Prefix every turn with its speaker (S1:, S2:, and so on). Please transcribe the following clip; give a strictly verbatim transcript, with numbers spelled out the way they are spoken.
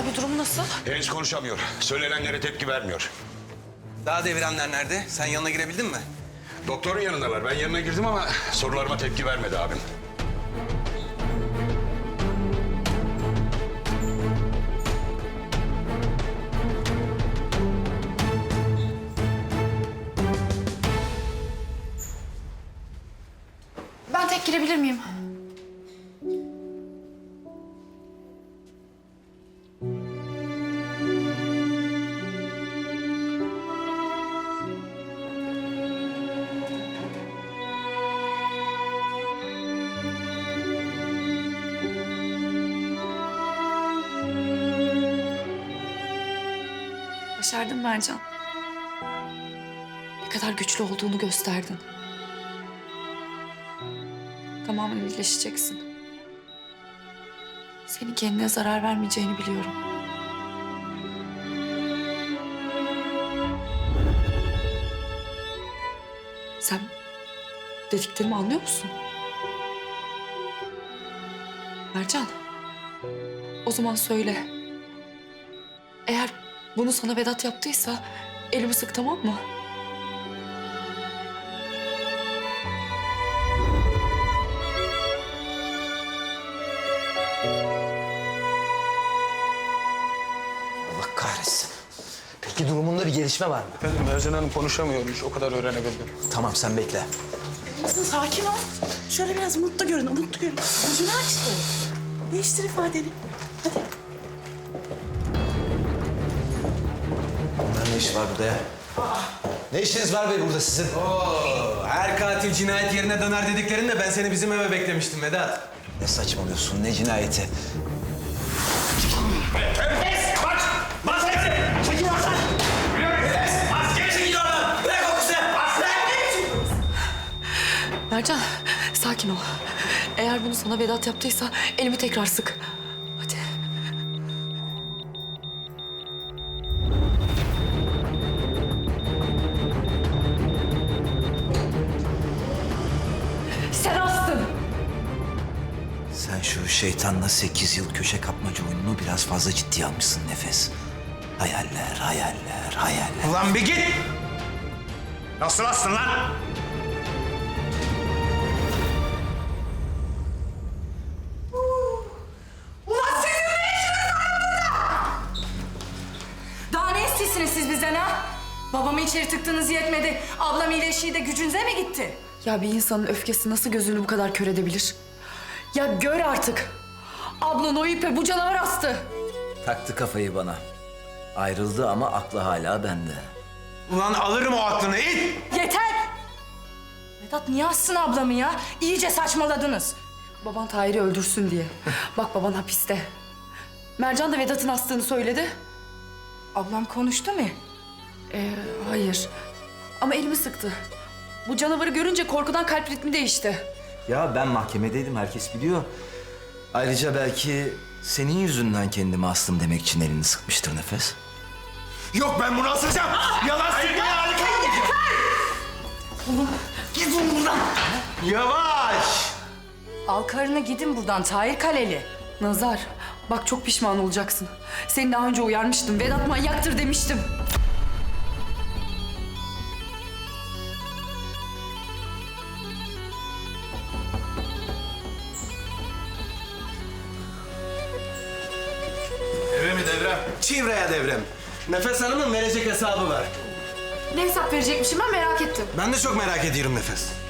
S1: abi durum nasıl?
S2: Henüz konuşamıyor. Söylenenlere tepki vermiyor.
S3: Daha devirenler nerede? Sen yanına girebildin mi?
S2: Doktorun yanındalar. Ben yanına girdim ama sorularıma tepki vermedi abim.
S1: Ben tek girebilir miyim? Başardın Mercan. Ne kadar güçlü olduğunu gösterdin. Tamamen iyileşeceksin. Senin kendine zarar vermeyeceğini biliyorum. Sen dediklerimi anlıyor musun? Mercan, o zaman söyle. Eğer bunu sana Vedat yaptıysa elimi sık, tamam mı?
S4: Allah kahretsin. Peki durumunda bir gelişme var mı?
S3: Efendim Mercan Hanım konuşamıyormuş. O kadar öğrenebildim.
S4: Tamam sen bekle.
S5: Kızım sakin ol. Şöyle biraz mutlu görün, mutlu görün. Yüzünü açtı. Değiştir ifadeni. Hadi.
S4: Bunların ne işi var burada ya? Ne işiniz var bey burada sizin?
S3: Oo, her katil cinayet yerine döner dediklerinde ben seni bizim eve beklemiştim Vedat.
S4: Ne saçmalıyorsun, ne cinayeti?
S1: Mercan, sakin ol. Eğer bunu sana Vedat yaptıysa elimi tekrar sık. Hadi. Sen astın.
S4: Sen şu şeytanla sekiz yıl köşe kapmaca oyununu biraz fazla ciddiye almışsın Nefes. Hayaller, hayaller, hayaller.
S3: Ulan bir git! Nasıl astın lan?
S6: Daha ne istiyorsunuz siz bizden ha? Babamı içeri tıktığınız yetmedi. Ablam iyileşiği de gücünüze mi gitti?
S1: Ya bir insanın öfkesi nasıl gözünü bu kadar kör edebilir? Ya gör artık. Ablan o ipe bu canavar astı.
S4: Taktı kafayı bana. Ayrıldı ama aklı hala bende.
S3: Ulan alırım o aklını it!
S6: Yeter! Vedat niye assın ablamı ya? İyice saçmaladınız.
S1: Baban Tahir'i öldürsün diye. Bak baban hapiste. Mercan da Vedat'ın astığını söyledi.
S6: Ablam konuştu mu?
S1: Ee, hayır. Ama elimi sıktı. Bu canavarı görünce korkudan kalp ritmi değişti.
S4: Ya ben mahkemedeydim, herkes biliyor. Ayrıca belki senin yüzünden kendimi astım demek için elini sıkmıştır Nefes.
S3: Yok ben bunu asacağım! Yalan söylüyor harika!
S6: Git buradan.
S3: Yavaş!
S6: Al karını gidin buradan Tahir Kaleli.
S1: Nazar, bak çok pişman olacaksın. Seni daha önce uyarmıştım. Vedat manyaktır demiştim.
S3: Devre mi devrem? Çivreye devrem. Nefes Hanım'ın verecek hesabı var.
S1: Ne hesap verecekmişim ben merak ettim.
S3: Ben de çok merak ediyorum Nefes.